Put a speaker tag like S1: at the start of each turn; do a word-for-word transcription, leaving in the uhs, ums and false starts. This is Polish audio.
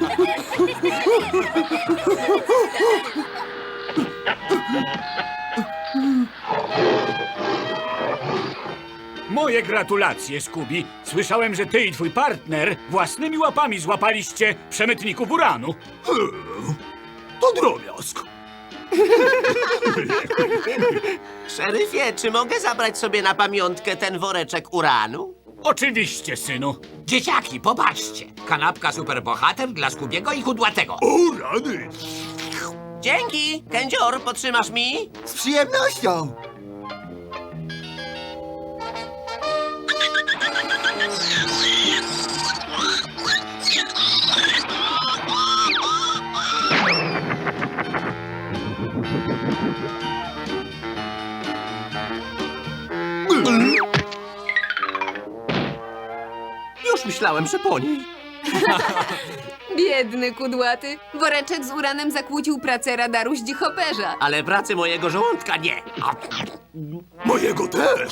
S1: Moje gratulacje, Scooby. Słyszałem, że ty i twój partner własnymi łapami złapaliście przemytników uranu.
S2: To drobiazg.
S3: Szeryfie, czy mogę zabrać sobie na pamiątkę ten woreczek uranu?
S1: Oczywiście, synu.
S4: Dzieciaki, popatrzcie. Kanapka superbohater dla Skubiego i Kudłatego.
S2: O, rany.
S3: Dzięki! Kędzior, potrzymasz mi?
S5: Z przyjemnością.
S3: Już myślałem, że po niej.
S6: Biedny kudłaty. Woreczek z uranem zakłócił pracę radaru zdzichoperza.
S3: Ale pracy mojego żołądka nie.
S2: Mojego też.